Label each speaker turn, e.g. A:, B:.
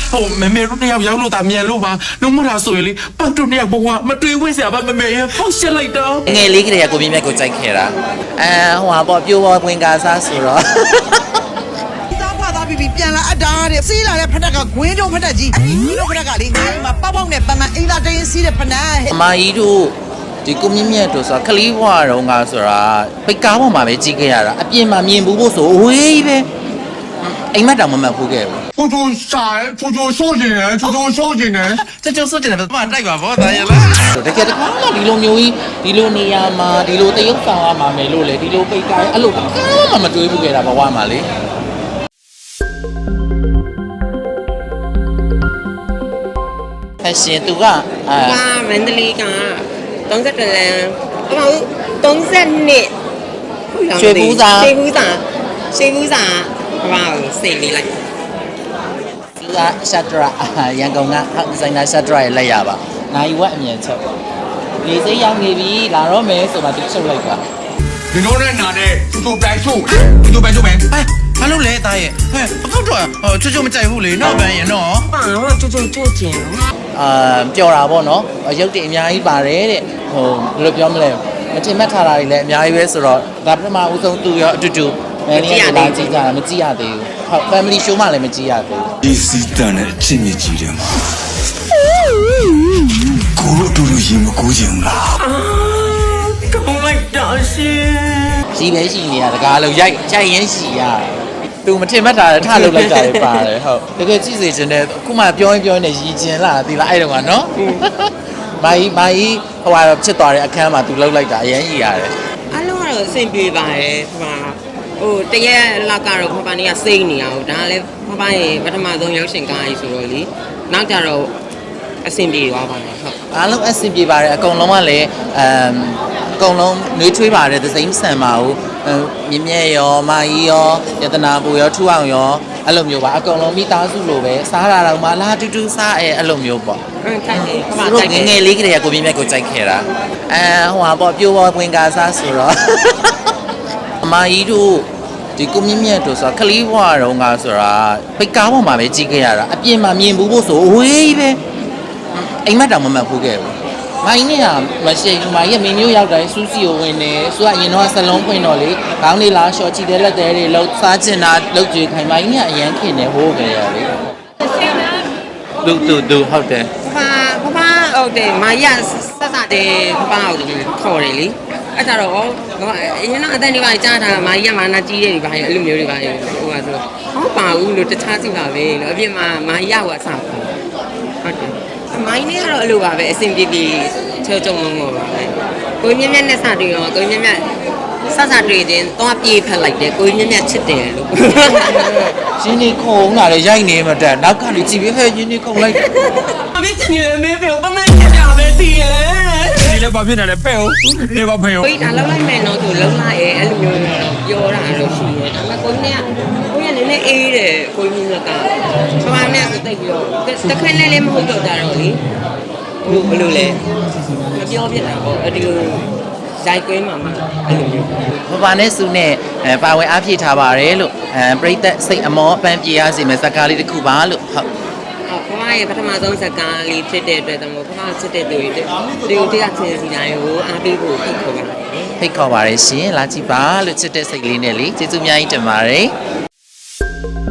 A: 妹တို့နှစ်ယောက်ရောက်လို့ဒါမြန်လို့ပါလုံးမထားဆိုရင်လေပတ်တို့နှစ်ယောက်ဘဝမတွေ့ဝင့်စရာပါမေရဲ့ဖောက်ရှက်လိုက်တော့
B: ငယ်လေးကလေးကကိုမြင့်မြတ်ကိုကြိုက်ခဲ့တာဟိုဟာပေါ့ပြိုးပေါ်ဝင်ကားစားဆိုတော့
C: ပြီးပြန်လာအပ်တာတဲ့စီးလာတဲ့ဖက်တက်ကဂွင်းတုံးဖက်တက်ကြီးဒီလိုဖက်တက်ကလေငါ့မှာပေါက်ပေါက်နဲ့ပန်းပန်းအိမ်သာတင်းစီးတဲ့ဖက်နဲ့
B: အမကြီးတို့ဒီကိုမြင့်မြတ်တို့ဆိုတာခလီးဘွားတော့ငါဆိုတာပိတ်ကားပေါ်မှာပဲကြီးခဲ့ရတာအပြင်မှာမြင်ဘူးဖို့ဆိုအဝေးပဲအိမ်မက်တောင်မမှတ်ဘူးခဲ့ဘူး
A: ဖူဖူရှာဖူဖူဆိုးကျင်တယ်ဖူဖူဆိုးကျင်တယ်
B: ကျဆိုးကျင်တယ်ဘာတိုက်ပါဘောတာရလားတကယ်တခါမှဒီလိုမျိုးကြီးဒီလိုနေရာမှာဒီလိုတရုပ်ဆောင်ရမှာမယ်လို့လေဒီလိုပိတ်ကားအဲ့လိုမှမတွေးဘူးခဲ့တာဘဝမှာလေရှင်သူက
D: မန္တလေးက32လမ်း30နှစ်
B: ရွှေဘူးစာ
D: ဘာစိတ်လေးလိုက်
B: သူကရှတ်ဒရာရန်ကုန်ကဒီဇိုင်နာရှတ်ဒရာရဲ့လက်ရပါနိုင်ဝက်အမြင်ချက်လေစိတ်ရောက်နေပြီလာတော့မယ်ဆိုမှသူချုပ်လိုက်ပါ
A: ဒီလိုနဲ့နာတဲ့သူတိုင်ဆိုးသူတိုင်ဆိုးမယ်
B: ဘာလို့လဲသားရဲ့ဟဲ့အခုတော့ချွတ်မကြိုက်ဘူးလေနောက်ပန်းရင်နော်
D: တော့ချွတ်ကျင်
B: ပျော်တာပေါ့နော်ရုပ်တည်အများကြီးပါတယ်တဲ့ဘယ်လိုပြောမလဲမထင်မှတ်ထားတာတွေလည်းအများကြီးပဲဆိုတော့ဒါပထမဦးဆုံးသူရောအတူတူမင်းလေးကလာကြည့်ကြတာမကြည့်ရသေးဘူးဟုတ် family show မှလည်းမကြည့်ရသေးဘူး
A: ဒီစီတန်နဲ့အချင်းမြကြီးတယ်မှာကိုတို့တူတူရင်မကိုချင်ဘူးလား
D: ကောင်းလိုက်တာရှင်
B: ရှိပဲရှိနေရတကားလို့ရိုက်ရင်ရှိရသူမထင်မှတ်တာထလုပ်လိုက်တာလည်းပါတယ်ဟုတ်တကယ်ကြည့်စေချင်တယ်အခုမှပြောရင်နဲ့ရည်ကျင်လာသီလားအဲ့တော့ကနော်မိုင်းဟိုဟာဖြစ်သွားတဲ့အခန်းမှာသူလှုပ်လိုက်တာအရင်ကြီးရတယ်
D: အလုံးကတော့အဆင်ပြေပါတယ်တရက်လောက်ကတော့ဖပနေကစိတ်နေရအောင်ဒါလည်းဖပရဲ့ပထမဆုံးရုပ်ရှင်ကားကြီးဆိုတော့လေနောက်ကြတော့အဆင်ပြေသွားပါတယ်ဟုတ်
B: အားလုံးအဆင်ပြေပါတယ်အကုန်လုံးကလည်းအကုန်လုံးနှွေးထွေးပါတယ်သစိမ်းဆန်ပါဘူးမြင့်မြတ်ရောမာကြီးရောယတနာပူရောထူအောင်ရောအဲ့လိုမျိုးပါအကုန်လုံးမိသားစုလိုပဲစားတာတော့မှလာတူတူစားအဲ့လိုမျိုးပေါ့
D: တိုက်တယ်
B: ငယ်လေးကလေးကကိုမြင့်မြတ်ကိုကြိုက်ခဲ့တာဟိုဟာပေါ့ပြိုးပေါ်ဝင်ကားစားဆိုတော့အမကြီးတို့ဒီကိုမြင့်မြတ်တို့ဆိုတာခလီးဘွားတော့ငါဆိုတာပိတ်ကားပေါ်မှာပဲကြီးခဲ့ရတာအပြင်မှာမြင်ဘူးဖို့ဆိုအဝေးပဲအိမ်မက်တောင်မမှတ်ဘူးခဲ့ဘူးမိုင်းနဲ့မရှိဘူးမိုင်းရဲ့မင်းမျိုးရောက်တိုင်းစူးစီကိုဝင်နေသူကအရင်တော့ဆလုံးပွင့်တော့လေခေါင်းလေးလားရှော့ချီတဲ့လက်သေးတွေလှုပ်စားချင်တာလှုပ်ကြွေးခိုင်မိုင်းကအရန်ခင်နေဟိုးခဲ့ရလေသူဟုတ်တယ်
D: ဖဟုတ်တယ်မာရဆက်တဲ့ဖဟုတ်တယ်ခေါ်တယ်လေအဲ့ဒါတော့အရင်ကအတန်တွေပါကြားတာမာရမာနာကြီးတဲ့တွေပါအဲ့လိုမျိုးတွေပါဟိုကဆိုဟောပါဘူးလို့တခြားစီပါပဲလို့အပြင်မှာမာရကအစားဟုတ်တယ်မိုင်းနဲ့ကတော့အလိုပါပဲအဆင်ပြေပြေချောချုံလုံးပါပဲကိုမြင့်မြတ်နဲ့စတွေ့ရောကိုမြင့်မြတ်စတွေ့ခြင်းတော့ပြေးဖက်လိုက်တယ်ကိုမြင့်မြတ်ချစ်တယ်လို့
B: ရင်းနေခုံလာလေရိုက်နေမှတက်နောက်ကနေကြည့်ပြီးဟဲ့ရင်းနေခုံလိုက်
D: အမေချင်တယ်မေဖေဘာမှမကြပဲတည်ရဲ့
A: ဒီလည်းဘာဖြစ်နေလဲပဲ့ဦးဒီဘာဖေဦး
D: ကိုဒါလောက်လိုက်မယ်နော်သူလုံးလိုက်ရဲ့အဲ့လိုမျိုးပြောတာလို့ရှိရဲ့ဒါပေမဲ့ကိုနည်းနည်းအေးတယ်ကိုမြင့်မြတ်ကဘာမှနဲ့ဆိုတိတ်ပြီးတော့တခက်နဲ့လည်းမဟုတ်တော့ကြတော့လေဘယ်လိုလဲမပြောပြတာပေါ့ဒီလိုဇိုက်ကွင်းမှာအဲ့လိုမျိုး
B: ဘာနဲ့စုနဲ့ပါဝင်အားဖြည့်ထားပါတယ်လို့ပရိသတ်စိတ်အမောအပန်းပြေရစီမယ်ဇာကားလေးတစ်ခုပါလို့ဟုတ်
D: ဖမရဲ့ပထမဆုံးဇာကားလေးဖြစ်တဲ့အတွက်တော့ဖမချစ်တဲ့သူတွေတရားချင်းစီတိုင်းကိုအားပေးဖို့ဖိတ်ခေါ်ပါတယ်
B: ဖိတ်ခေါ်ပါတယ်ရှင်လာကြည့်ပါလို့ချစ်တဲ့စိတ်လေးနဲ့လေကျေးဇူးအများကြီးတင်ပါတယ်